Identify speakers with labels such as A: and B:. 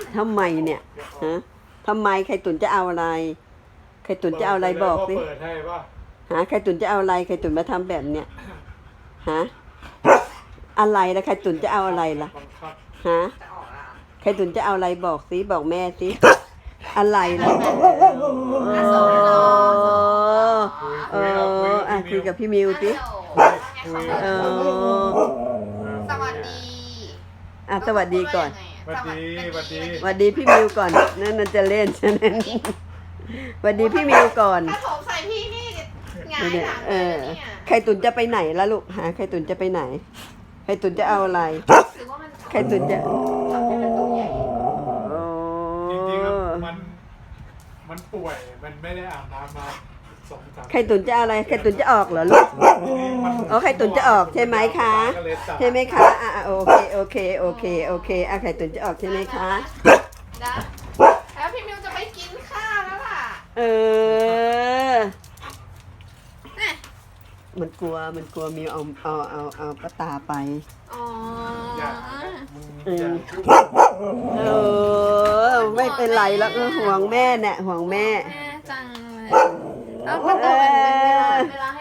A: ทำไมเนี่ยฮะทำไมไข่ตุ๋นจะเอาอะไรไข่ตุ๋นจะเอาอะไรบอกสิ
B: เปิดให้ป่ะ
A: ฮะไข่ตุ๋นจะเอาอะไรไข่ตุ๋นมาทำแบบเนี้ยฮะอะไรล่ะไข่ตุ๋นจะเอาอะไรล่ะ
B: บังคับ
A: ฮะ
C: จะออกอ่ะ
A: ไข่ตุ๋นจะเอาอะไรบอกสิบอกแม่สิอะไรล่ะ
C: อ่ะส่งให้น้อง
A: คุยกับพี่มิวสิ
B: คุย
A: เออ
C: สวัสดี
A: สวัสดีก่อน
B: สวัสดีสวัสดี
A: สวัสดีพี่มิวก่อนนั่นจะเล่นใช่ไหมสวัสดีพี่มิวก่อน
C: ถ้าโถมใส่พี่นี่หงายหลัง
A: เอ
C: เลย
A: อ
C: นะเนี่ย
A: ไข่ตุ๋นจะไปไหนล่ะลูกหาไข่ตุ๋นจะไปไหนไข่ตุ๋นจะเอาอะไร
C: หรือว่ามัน
A: ไข่ตุ๋นจะ
C: ทำให้มันตัวใหญ่
B: จริงๆแล้วมันป่วยมันไม่ได้อาบน้ำมา2-3
A: ไข่ตุ๋นจะเอาอะไรไข่ตุ๋นจะออกเหรอลูก อ๋อไข่ตุ๋นจะออกใช่ไหมคะ ใช่ไหมคะโอเคไข่ตุ๋นจะออกใช่ไหมคะ
C: นะแล้วพี่มิวจะไปกินข้าวแล้วล่ะ
A: เออ
C: น่ะ
A: มันกลัวมิวเอาป้าตาไป
C: อ๋อ
A: เออไม่เป็นไรแล้วห่วงแม่เนี่ยห่วงแม่
C: แม่จังเลยแล้วมันเป็นเวลา